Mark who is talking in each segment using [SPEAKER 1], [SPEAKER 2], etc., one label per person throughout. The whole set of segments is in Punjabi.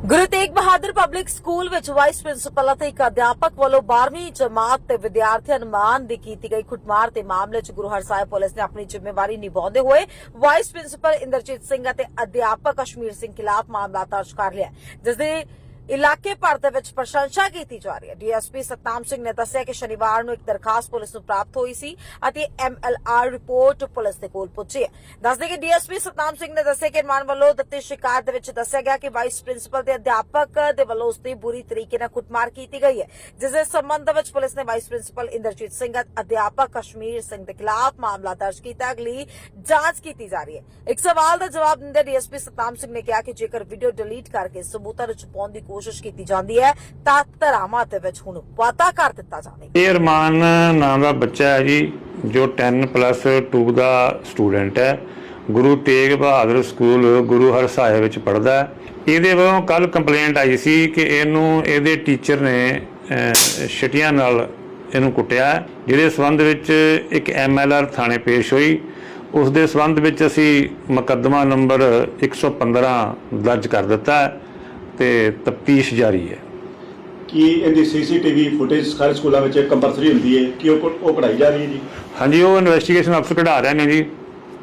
[SPEAKER 1] ਗੁਰੂ ਤੇਗ ਬਹਾਦਰ ਪਬਲਿਕ ਸਕੂਲ ਵਿੱਚ ਵਾਈਸ ਪ੍ਰਿੰਸੀਪਲ ਅਤੇ ਇੱਕ ਅਧਿਆਪਕ ਵੱਲੋਂ 12ਵੀਂ ਜਮਾਤ ਦੇ ਵਿਦਿਆਰਥੀ ਅਨੁਮਾਨ ਦੀ ਕੀਤੀ ਗਈ ਕੁੱਟਮਾਰ ਦੇ ਮਾਮਲੇ 'ਚ ਗੁਰੂ ਹਰਸਾਏ ਪੁਲਿਸ ਨੇ ਆਪਣੀ ਜ਼ਿੰਮੇਵਾਰੀ ਨਿਭਾਉਂਦੇ ਹੋਏ ਵਾਈਸ ਪ੍ਰਿੰਸੀਪਲ ਇੰਦਰਜੀਤ ਸਿੰਘ ਅਤੇ ਅਧਿਆਪਕ ਕਸ਼ਮੀਰ ਸਿੰਘ ਖਿਲਾਫ ਮਾਮਲਾ ਦਰਜ ਕਰ ਲਿਆ, ਜਿਸ ਦੇ ਇਲਾਕੇ ਭਰ ਦੇ ਵਿੱਚ ਪ੍ਰਸ਼ੰਸਾ ਕੀਤੀ ਜਾ ਰਹੀ ਹੈ। ਡੀਐਸਪੀ ਸਤਨਾਮ ਸਿੰਘ ਨੇ ਦੱਸਿਆ ਕਿ ਸ਼ਨੀਵਾਰ ਨੂੰ ਇੱਕ ਦਰਖਾਸਤ ਪੁਲਿਸ ਨੂੰ ਪ੍ਰਾਪਤ ਹੋਈ ਸੀ ਅਤੇ ਐਮਐਲਆਰ ਰਿਪੋਰਟ ਪੁਲਿਸ ਦੇ ਕੋਲ ਪਹੁੰਚੀ ਹੈ। ਦੱਸਦੇ ਕਿ ਡੀਐਸਪੀ ਸਤਨਾਮ ਸਿੰਘ ਨੇ ਦੱਸਿਆ ਕਿ ਅਨੁਮਾਨ ਵੱਲੋਂ ਦਿੱਤੀ ਸ਼ਿਕਾਇਤ ਦੇ ਵਿੱਚ ਦੱਸਿਆ ਗਿਆ ਕਿ ਵਾਈਸ ਪ੍ਰਿੰਸੀਪਲ ਤੇ ਅਧਿਆਪਕ ਦੇ ਵੱਲੋਂ ਉਸ ਦੀ ਬੁਰੀ ਤਰੀਕੇ ਨਾਲ ਕੁੱਟਮਾਰ ਕੀਤੀ ਗਈ ਹੈ, ਜਿਸ ਦੇ ਸੰਬੰਧ ਵਿੱਚ ਪੁਲਿਸ ਨੇ ਵਾਈਸ ਪ੍ਰਿੰਸੀਪਲ ਇੰਦਰਜੀਤ ਸਿੰਘ ਅਤੇ ਅਧਿਆਪਕ ਕਸ਼ਮੀਰ ਸਿੰਘ ਦੇ ਖਿਲਾਫ ਮਾਮਲਾ ਦਰਜ ਕੀਤਾ। ਅਗਲੀ ਜਾਂਚ ਕੀਤੀ ਜਾ ਰਹੀ ਹੈ। ਇੱਕ ਸਵਾਲ ਦਾ ਜਵਾਬ ਦਿੰਦੇ ਡੀਐਸਪੀ ਸਤਨਾਮ ਸਿੰਘ ਨੇ ਕਿਹਾ ਕਿ ਜੇਕਰ ਵੀਡੀਓ ਡਿਲੀਟ ਕਰਕੇ ਸਬੂਤਾਂ ਨੂੰ ਛੁਪਾਉਣ ਦੀ ਕੋਸ਼ਿਸ਼ ਕੀਤੀ ਜਾਂਦੀ ਹੈ ਤਾਂ ਧਾਰਾਵਾਂ ਦੇ ਵਿੱਚ ਹੁਣ ਵਾਧਾ ਕਰ ਦਿੱਤਾ ਜਾਵੇਗਾ।
[SPEAKER 2] ਇਹ ਅਰਮਾਨ ਨਾਮ ਦਾ ਬੱਚਾ ਹੈ ਜੀ, ਜੋ 10+2 ਦਾ ਸਟੂਡੈਂਟ ਹੈ। ਗੁਰੂ ਤੇਗ ਬਹਾਦਰ ਸਕੂਲ ਗੁਰੂ ਹਰਸਾਏ ਵਿੱਚ ਪੜ੍ਹਦਾ ਹੈ। ਇਹਦੇ ਵੱਲੋਂ ਕੱਲ ਕੰਪਲੇਂਟ ਆਈ ਸੀ ਕਿ ਇਹਨੂੰ ਇਹਦੇ ਟੀਚਰ ਨੇ ਛਟੀਆਂ ਨਾਲ ਇਹਨੂੰ ਕੁੱਟਿਆ, ਜਿਹਦੇ ਸੰਬੰਧ ਵਿੱਚ ਇੱਕ ਐਮਐਲਆਰ ਥਾਣੇ ਪੇਸ਼ ਹੋਈ। ਉਸ ਦੇ ਸੰਬੰਧ ਵਿੱਚ ਅਸੀਂ ਮੁਕੱਦਮਾ ਨੰਬਰ 115 ਦਰਜ ਕਰ ਦਿੱਤਾ ਹੈ ਤੇ ਤਫਤੀਸ਼ ਜਾਰੀ ਹੈ।
[SPEAKER 3] ਕੀ ਇਹਦੀ ਸੀਸੀਟੀਵੀ ਫੁਟੇਜ ਸਾਰੇ ਸਕੂਲਾਂ ਵਿੱਚ ਕੰਪਲਸਰੀ ਹੁੰਦੀ ਹੈ ਕਿ ਉਹ ਕਢਾਈ ਜਾ ਰਹੀ ਹੈ ਜੀ?
[SPEAKER 2] ਹਾਂਜੀ, ਉਹ ਇਨਵੈਸਟੀਗੇਸ਼ਨ ਅਫਸਰ ਕਢਾ ਰਹੇ ਨੇ ਜੀ,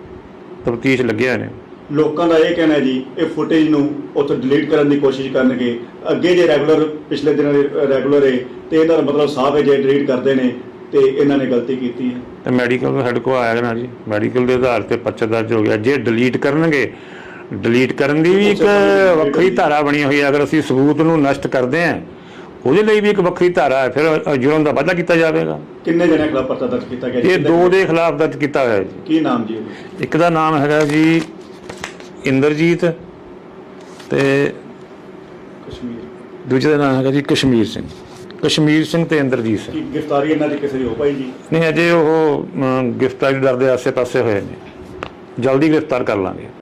[SPEAKER 2] ਤਫਤੀਸ਼ ਲੱਗਿਆ ਨੇ।
[SPEAKER 3] ਲੋਕਾਂ ਦਾ ਇਹ ਕਹਿਣਾ ਹੈ ਜੀ ਇਹ ਫੁਟੇਜ ਨੂੰ ਉੱਥੋਂ ਡਿਲੀਟ ਕਰਨ ਦੀ ਕੋਸ਼ਿਸ਼ ਕਰਨਗੇ। ਅੱਗੇ ਜੇ ਰੈਗੂਲਰ ਪਿਛਲੇ ਦਿਨਾਂ ਦੇ ਰੈਗੂਲਰ ਹੈ ਤੇ ਇਹਦਾ ਮਤਲਬ ਸਾਫ਼ ਹੈ ਜੇ ਡਿਲੀਟ ਕਰਦੇ ਨੇ ਤੇ ਇਹਨਾਂ ਨੇ ਗਲਤੀ ਕੀਤੀ ਹੈ।
[SPEAKER 2] ਤੇ ਮੈਡੀਕਲ ਤੋਂ ਸਾਡੇ ਕੋਲ ਆਇਆ ਨਾ ਜੀ, ਮੈਡੀਕਲ ਦੇ ਆਧਾਰ ਤੇ ਪਰਚਾ ਦਰਜ ਹੋ ਗਿਆ। ਜੇ ਡਿਲੀਟ ਕਰਨਗੇ, ਡਿਲੀਟ ਕਰਨ ਦੀ ਵੀ ਇੱਕ ਵੱਖਰੀ ਧਾਰਾ ਬਣੀ ਹੋਈ ਹੈ। ਅਗਰ ਅਸੀਂ ਸਬੂਤ ਨੂੰ ਨਸ਼ਟ ਕਰਦੇ ਹਾਂ ਉਹਦੇ ਲਈ ਵੀ ਇੱਕ ਵੱਖਰੀ ਧਾਰਾ ਹੈ, ਫਿਰ ਜੁਰਮ ਦਾ ਵਾਧਾ ਕੀਤਾ ਜਾਵੇਗਾ।
[SPEAKER 3] ਕਿੰਨੇ ਜਣਿਆਂ ਖਿਲਾਫ ਪਰਚਾ ਦਰਜ ਕੀਤਾ ਗਿਆ?
[SPEAKER 2] ਇਹ 2 ਦੇ ਖਿਲਾਫ ਦਰਜ ਕੀਤਾ ਹੋਇਆ ਜੀ।
[SPEAKER 3] ਕੀ ਨਾਮ ਜੀ?
[SPEAKER 2] ਇੱਕ ਦਾ ਨਾਮ ਹੈਗਾ ਜੀ ਇੰਦਰਜੀਤ ਤੇ
[SPEAKER 3] ਕਸ਼ਮੀਰ,
[SPEAKER 2] ਦੂਜੇ ਦਾ ਨਾਮ ਹੈਗਾ ਜੀ ਕਸ਼ਮੀਰ ਸਿੰਘ। ਕਸ਼ਮੀਰ ਸਿੰਘ ਤੇ ਇੰਦਰਜੀਤ ਸਿੰਘ।
[SPEAKER 3] ਕੀ ਗ੍ਰਿਫਤਾਰੀ ਇਹਨਾਂ ਦੀ ਕਿਸੇ ਦੀ ਹੋ ਪਾਈ ਜੀ?
[SPEAKER 2] ਨਹੀਂ, ਅਜੇ ਉਹ ਗ੍ਰਿਫਤਾਰੀ ਡਰ ਦੇ ਆਸੇ ਪਾਸੇ ਹੋਏ ਨੇ, ਜਲਦੀ ਗ੍ਰਿਫਤਾਰ ਕਰ ਲਾਂਗੇ।